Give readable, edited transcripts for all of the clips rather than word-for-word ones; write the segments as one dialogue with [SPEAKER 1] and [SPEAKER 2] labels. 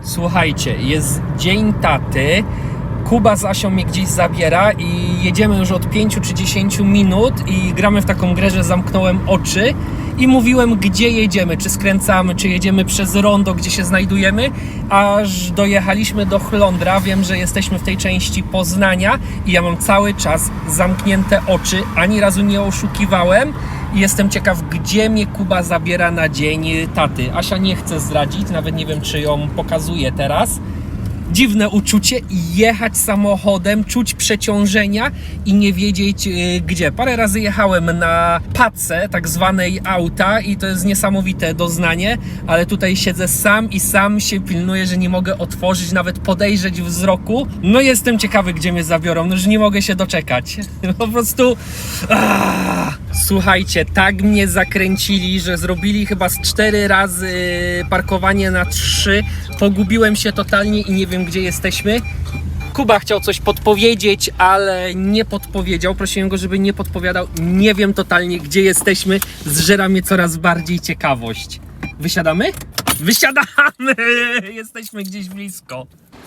[SPEAKER 1] Słuchajcie, jest dzień taty. Kuba z Asią mnie gdzieś zabiera i jedziemy już od 5 czy 10 minut i gramy w taką grę, że zamknąłem oczy i mówiłem, gdzie jedziemy, czy skręcamy, czy jedziemy przez rondo, gdzie się znajdujemy, aż dojechaliśmy do Chlądra. Wiem, że jesteśmy w tej części Poznania i ja mam cały czas zamknięte oczy, ani razu nie oszukiwałem i jestem ciekaw, gdzie mnie Kuba zabiera na dzień taty. Asia nie chce zdradzić, nawet nie wiem, czy ją pokazuje teraz. Dziwne uczucie i jechać samochodem, czuć przeciążenia i nie wiedzieć gdzie. Parę razy jechałem na pace tak zwanej auta i to jest niesamowite doznanie, ale tutaj siedzę sam i sam się pilnuję, że nie mogę otworzyć, nawet podejrzeć wzroku. No jestem ciekawy, gdzie mnie zabiorą, no już nie mogę się doczekać. Po prostu... Słuchajcie, tak mnie zakręcili, że zrobili chyba z 4 razy parkowanie na 3. Pogubiłem się totalnie i nie wiem, gdzie jesteśmy. Kuba chciał coś podpowiedzieć, ale nie podpowiedział. Prosiłem go, żeby nie podpowiadał. Nie wiem totalnie, gdzie jesteśmy. Zżera mnie coraz bardziej ciekawość. Wysiadamy? Wysiadamy! Jesteśmy gdzieś blisko.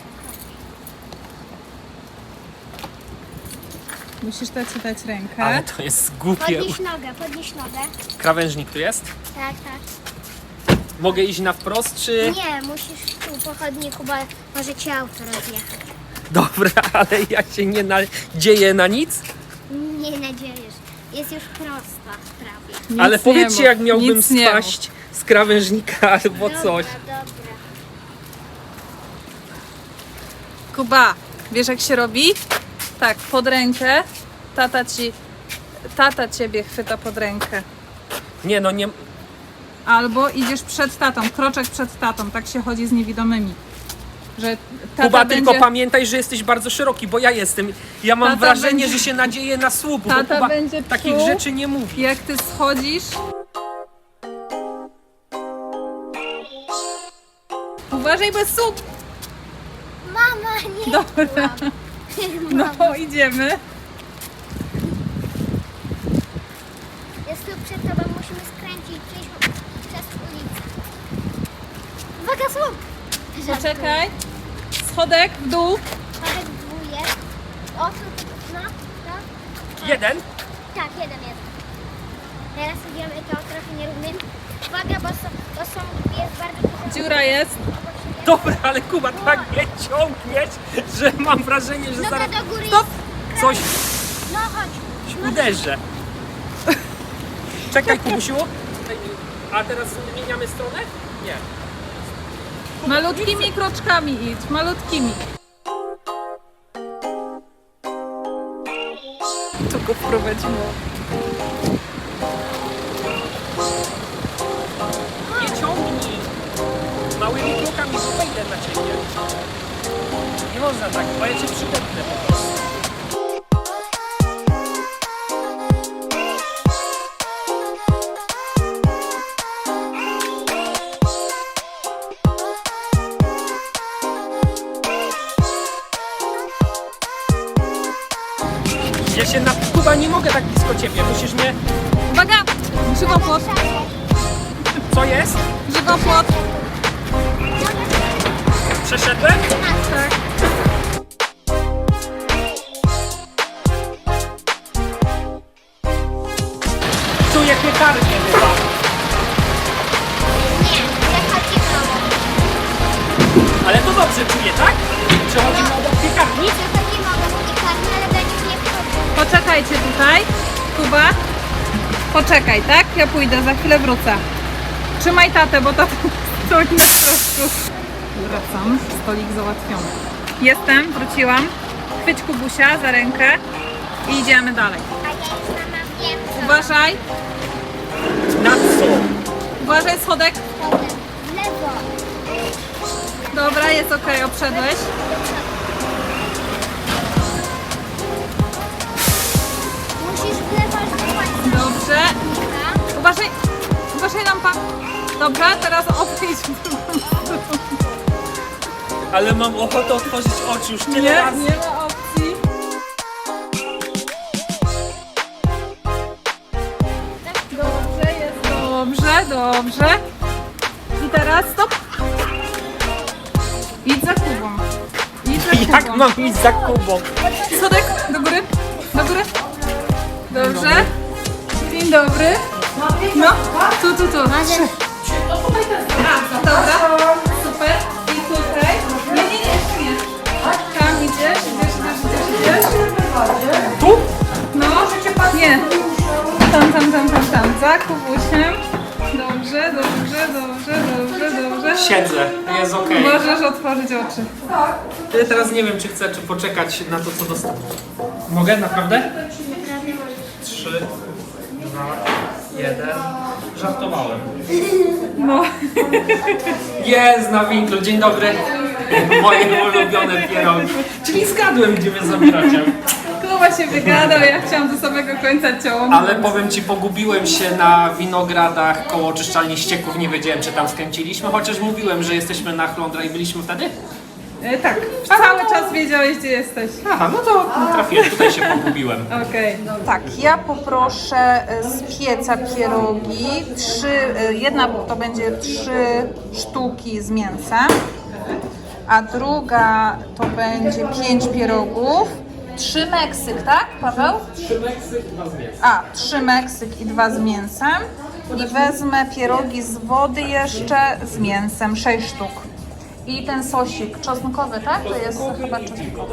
[SPEAKER 2] Musisz dać rękę.
[SPEAKER 1] Ale to jest głupie.
[SPEAKER 3] Podnieś nogę.
[SPEAKER 1] Krawężnik tu jest?
[SPEAKER 3] Tak, tak.
[SPEAKER 1] Mogę iść na wprost, czy...
[SPEAKER 3] Nie, musisz tu po chodniku, bo może cię auto rozjechać.
[SPEAKER 1] Dobra, ale ja się nie nadzieję na nic.
[SPEAKER 3] Nie nadziejesz. Jest już prosta prawie.
[SPEAKER 1] Ale
[SPEAKER 2] Nic nie
[SPEAKER 1] powiedzcie,
[SPEAKER 2] mów,
[SPEAKER 1] jak miałbym
[SPEAKER 2] nic nie
[SPEAKER 1] spaść z krawężnika albo coś.
[SPEAKER 3] Dobra.
[SPEAKER 2] Kuba, wiesz jak się robi? Tak, pod rękę. Tata ciebie chwyta pod rękę.
[SPEAKER 1] Nie no, nie...
[SPEAKER 2] Albo idziesz przed tatą, kroczek przed tatą. Tak się chodzi z niewidomymi. Że tata
[SPEAKER 1] Kuba,
[SPEAKER 2] będzie,
[SPEAKER 1] tylko pamiętaj, że jesteś bardzo szeroki, bo ja jestem. Ja mam
[SPEAKER 2] Tata
[SPEAKER 1] wrażenie,
[SPEAKER 2] będzie-
[SPEAKER 1] że się nadzieję na słup, bo
[SPEAKER 2] Tata
[SPEAKER 1] Kuba
[SPEAKER 2] będzie
[SPEAKER 1] takich
[SPEAKER 2] czuł,
[SPEAKER 1] rzeczy nie mówi.
[SPEAKER 2] jak ty schodzisz. Uważaj, bez słup!
[SPEAKER 3] Mama, nie.
[SPEAKER 2] Dobra, no idziemy.
[SPEAKER 3] Jest tu przed tobą, musimy skręcić przez ulicę. Uwaga, słup!
[SPEAKER 2] Poczekaj. Schodek w dół.
[SPEAKER 3] Schodek w dół jest. O, tu, no.
[SPEAKER 1] Jeden?
[SPEAKER 3] Tak, jeden jest. Teraz idziemy to trochę nierównym. Uwaga, bo są jest bardzo duże
[SPEAKER 2] Dziura jest.
[SPEAKER 3] obok siebie.
[SPEAKER 1] Dobra, ale Kuba, tak mnie ciągniesz, że mam wrażenie, że
[SPEAKER 3] Noga
[SPEAKER 1] zaraz
[SPEAKER 3] do góry
[SPEAKER 2] Stop!
[SPEAKER 3] jest.
[SPEAKER 1] coś
[SPEAKER 3] No chodź.
[SPEAKER 1] uderzę. Czekaj, Kubusiu. A teraz zmieniamy stronę? Nie.
[SPEAKER 2] Malutkimi kroczkami idź, malutkimi. Tu go wprowadziło.
[SPEAKER 1] Nie ciągnij. Małymi krokami wejdę na ciebie. Nie można tak, bo ja cię przydepnę po prostu. Ja się na... Kuba, nie mogę tak blisko ciebie, musisz mnie...
[SPEAKER 2] Uwaga! Żywopłot,
[SPEAKER 1] Co jest?
[SPEAKER 2] żywopłot.
[SPEAKER 1] Przeszedłem?
[SPEAKER 2] Tak.
[SPEAKER 1] Czuję piekarnię chyba.
[SPEAKER 3] Nie, ja chodzi mało.
[SPEAKER 1] Ale to dobrze czuję, tak? Przechodzimy obok piekarni?
[SPEAKER 3] Przechodzi mało, bo nie karmi, ale będziesz nie wchodził.
[SPEAKER 2] Poczekajcie tutaj. Kuba. Poczekaj, tak? Ja pójdę, za chwilę wrócę. Trzymaj tatę, bo tata stoi na środku. Wracam, stolik załatwiony. Jestem, wróciłam. Chwyć Kubusia za rękę i idziemy dalej.
[SPEAKER 3] A ja już mama wiem, co.
[SPEAKER 2] Uważaj,
[SPEAKER 1] Na co?
[SPEAKER 2] uważaj schodek.
[SPEAKER 3] W lewo.
[SPEAKER 2] Dobra, jest okej, obszedłeś.
[SPEAKER 3] Musisz w lewo, żeby ładnie.
[SPEAKER 2] Dobrze. Uważaj, uważaj lampa. Dobrze, teraz obejdź.
[SPEAKER 1] Ale mam ochotę otworzyć oczy już tyle
[SPEAKER 2] Nie,
[SPEAKER 1] razy.
[SPEAKER 2] nie ma opcji. Dobrze, jest dobrze, dobrze. I teraz stop. Idź za Kubą. Idź za Kubą.
[SPEAKER 1] Jak mam iść za Kubą?
[SPEAKER 2] Sodek, do góry, do góry. Dobrze. Dzień dobry. No, tu. A, dobra, super. I tutaj. Nie. Tam idziesz.
[SPEAKER 1] Tu?
[SPEAKER 2] No, nie. Tam. Za Kubusiem. Dobrze.
[SPEAKER 1] Siedzę, jest okej.
[SPEAKER 2] Możesz otworzyć oczy.
[SPEAKER 1] Ja teraz nie wiem, czy chcę, czy poczekać na to, co dostanę. Mogę? Naprawdę? 3, 2, 1. Żartowałem.
[SPEAKER 2] No.
[SPEAKER 1] Jest na winklu, dzień dobry. Moje ulubione pierogi. Czyli zgadłem, gdzie mnie zabieracie.
[SPEAKER 2] Kuba się wygadał, ja chciałam do samego końca ciąć.
[SPEAKER 1] Ale powiem ci, pogubiłem się na winogradach koło oczyszczalni ścieków. Nie wiedziałem, czy tam skręciliśmy, chociaż mówiłem, że jesteśmy na Chlądra i byliśmy wtedy.
[SPEAKER 2] Tak, cały czas wiedziałeś, gdzie jesteś.
[SPEAKER 1] Aha, no to trafiłem, tutaj się pogubiłem.
[SPEAKER 2] Okej. Tak, ja poproszę z pieca pierogi. Jedna to będzie 3 sztuki z mięsem, a druga to będzie 5 pierogów. 3 Meksyk, tak, Paweł?
[SPEAKER 1] 3 Meksyk, 2 z mięsem.
[SPEAKER 2] 3 Meksyk i 2 z mięsem. I wezmę pierogi z wody jeszcze z mięsem, 6 sztuk. I ten sosik czosnkowy, tak? To jest chyba czosnkowy.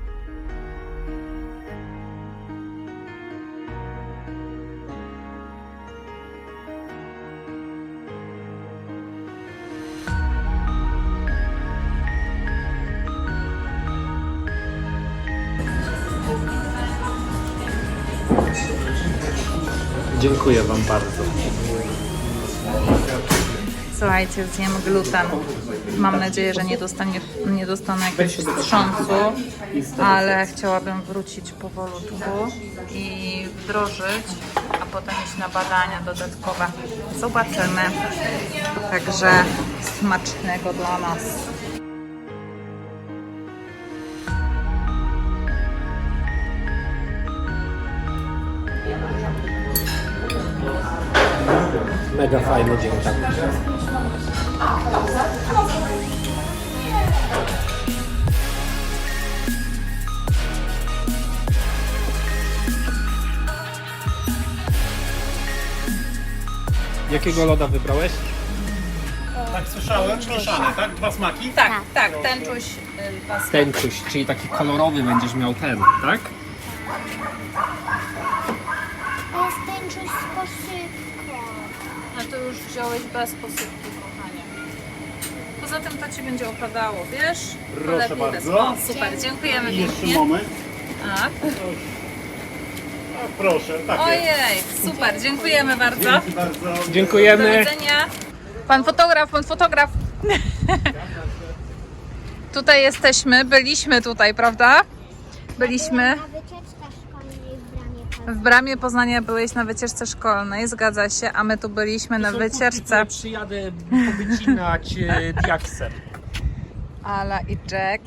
[SPEAKER 1] Dziękuję wam bardzo.
[SPEAKER 2] Słuchajcie, zjem gluten. Mam nadzieję, że nie dostanę jakiegoś wstrząsu, ale chciałabym wrócić powolutku i wdrożyć, a potem iść na badania dodatkowe. Zobaczymy. Także smacznego dla nas.
[SPEAKER 1] Mega fajny dzień, tak. Jakiego loda wybrałeś?
[SPEAKER 4] Tak słyszałem, mieszane, tak? 2 smaki?
[SPEAKER 2] Tak, tęczuś.
[SPEAKER 1] Tęczuś, czyli taki kolorowy będziesz miał ten, tak?
[SPEAKER 3] To jest tęczuś z posypką.
[SPEAKER 2] No to już wziąłeś bez posypki, kochanie. Poza tym to Ci będzie opadało, wiesz? To
[SPEAKER 4] Proszę
[SPEAKER 2] lepiej
[SPEAKER 4] bardzo.
[SPEAKER 2] bez. O, super, dziękujemy
[SPEAKER 4] I jeszcze
[SPEAKER 2] pięknie.
[SPEAKER 4] moment.
[SPEAKER 2] Tak.
[SPEAKER 4] A, proszę, tak jest.
[SPEAKER 2] Ojej, super, dziękujemy bardzo.
[SPEAKER 4] Dzięki bardzo.
[SPEAKER 2] Do
[SPEAKER 1] Dziękujemy.
[SPEAKER 2] widzenia. Pan fotograf. Tutaj jesteśmy, byliśmy tutaj, prawda? Byliśmy.
[SPEAKER 3] Na wycieczce szkolnej w Bramie Poznań.
[SPEAKER 2] W Bramie Poznania byłeś na wycieczce szkolnej, zgadza się, a my tu byliśmy na wycieczce.
[SPEAKER 1] Przyjadę powycinać diaksem.
[SPEAKER 2] Ala i Jack,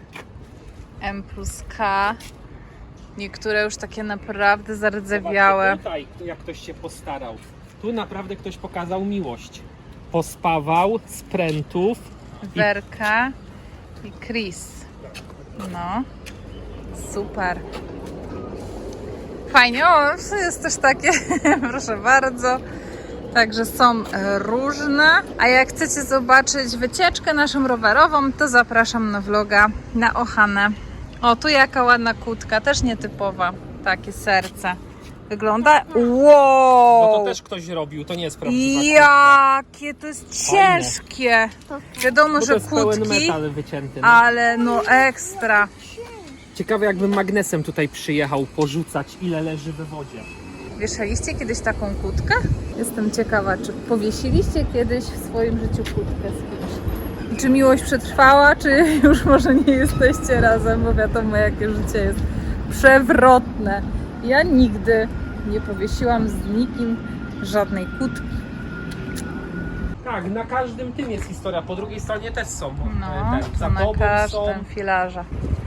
[SPEAKER 2] M+K, niektóre już takie naprawdę zardzewiałe.
[SPEAKER 1] Tutaj, jak ktoś się postarał. Tu naprawdę ktoś pokazał miłość. Pospawał z prętów.
[SPEAKER 2] Werka i Chris. No, super. Fajnie, o, to jest też takie, proszę bardzo. Także są różne. A jak chcecie zobaczyć wycieczkę naszą rowerową, to zapraszam na vloga na Ochanę. O, tu jaka ładna kutka, też nietypowa. Takie serce. Wygląda? Wow!
[SPEAKER 1] Bo to też ktoś robił, to nie jest prawdziwa
[SPEAKER 2] Jakie to jest
[SPEAKER 1] Fajne.
[SPEAKER 2] ciężkie. Wiadomo,
[SPEAKER 1] Bo to
[SPEAKER 2] że
[SPEAKER 1] jest pełen
[SPEAKER 2] kłódki,
[SPEAKER 1] metal wycięty. No.
[SPEAKER 2] ale no ekstra.
[SPEAKER 1] Ciekawe, jakbym magnesem tutaj przyjechał porzucać, ile leży we wodzie.
[SPEAKER 2] Wieszaliście kiedyś taką kłódkę? Jestem ciekawa, czy powiesiliście kiedyś w swoim życiu kłódkę z kimś? I czy miłość przetrwała, czy już może nie jesteście razem, bo wiadomo, jakie życie jest przewrotne. Ja nigdy nie powiesiłam z nikim żadnej kłódki.
[SPEAKER 1] Tak, na każdym tym jest historia, po drugiej stronie też są.
[SPEAKER 2] No,
[SPEAKER 1] Za
[SPEAKER 2] to na
[SPEAKER 1] tobą są.
[SPEAKER 2] każdym filarze.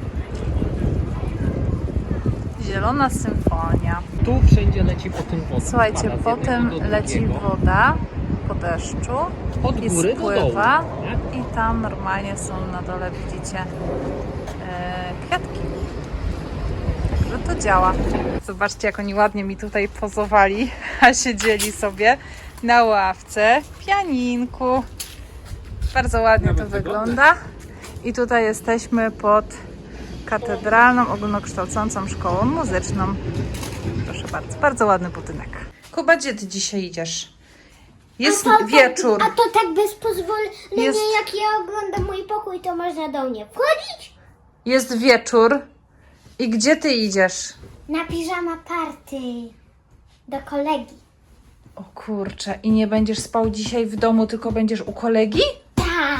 [SPEAKER 2] Zielona symfonia.
[SPEAKER 1] Tu wszędzie leci po tym woda.
[SPEAKER 2] Słuchajcie,
[SPEAKER 1] Spada z
[SPEAKER 2] potem
[SPEAKER 1] jednego do
[SPEAKER 2] leci
[SPEAKER 1] drugiego.
[SPEAKER 2] woda po deszczu
[SPEAKER 1] Od
[SPEAKER 2] i
[SPEAKER 1] góry do dołu.
[SPEAKER 2] spływa.
[SPEAKER 1] Nie?
[SPEAKER 2] I tam normalnie są na dole, widzicie, kwiatki. Także to działa. Zobaczcie, jak oni ładnie mi tutaj pozowali, a siedzieli sobie na ławce w pianinku. Bardzo ładnie to
[SPEAKER 1] Nawet
[SPEAKER 2] wygląda. I tutaj jesteśmy pod Katedralną Ogólnokształcącą Szkołą Muzyczną. Proszę bardzo, bardzo ładny budynek. Kuba, gdzie ty dzisiaj idziesz? Jest wieczór.
[SPEAKER 3] A to tak bez pozwolenia,
[SPEAKER 2] Jest-
[SPEAKER 3] jak ja oglądam mój pokój, to można do mnie wchodzić?
[SPEAKER 2] Jest wieczór. I gdzie ty idziesz?
[SPEAKER 3] Na piżama party. Do kolegi.
[SPEAKER 2] O kurczę, i nie będziesz spał dzisiaj w domu, tylko będziesz u kolegi?
[SPEAKER 3] Tak.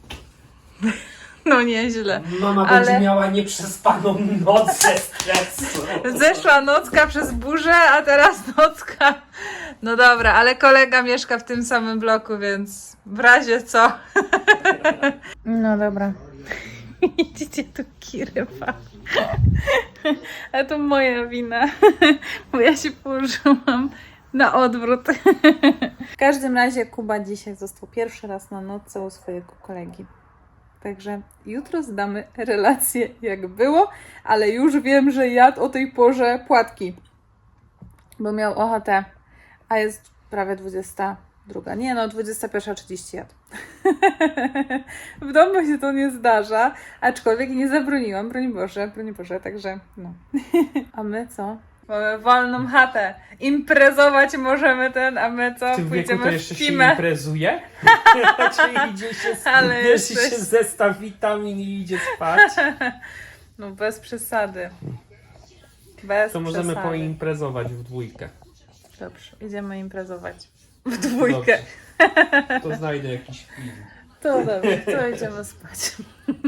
[SPEAKER 2] No nieźle.
[SPEAKER 1] Mama
[SPEAKER 2] Ale-
[SPEAKER 1] będzie miała nieprzespaną noc ze stresu.
[SPEAKER 2] Zeszła nocka przez burzę, a teraz nocka. No dobra, ale kolega mieszka w tym samym bloku, więc w razie co. No dobra. Widzicie tu kirywa. A to moja wina, bo ja się położyłam na odwrót. W każdym razie Kuba dzisiaj został pierwszy raz na nocce u swojego kolegi. Także jutro zdamy relację, jak było, ale już wiem, że jadł o tej porze płatki, bo miał ochotę, a jest prawie 22. Nie no, 21:30 jadł. W domu się to nie zdarza, aczkolwiek nie zabroniłam, broń Boże, także no. A my co? Mamy wolną chatę. Imprezować możemy a my co?
[SPEAKER 1] W tym wieku to
[SPEAKER 2] Pójdziemy
[SPEAKER 1] jeszcze
[SPEAKER 2] w
[SPEAKER 1] się
[SPEAKER 2] kimę.
[SPEAKER 1] imprezuje? Czyli idzie się,
[SPEAKER 2] Ale
[SPEAKER 1] bierze
[SPEAKER 2] jesteś-
[SPEAKER 1] się zestaw witamin i idzie spać.
[SPEAKER 2] No bez przesady. Bez
[SPEAKER 1] To możemy
[SPEAKER 2] przesady.
[SPEAKER 1] poimprezować w dwójkę.
[SPEAKER 2] Dobrze, idziemy imprezować. W dwójkę.
[SPEAKER 1] To znajdę jakiś film.
[SPEAKER 2] To dobrze, to idziemy spać.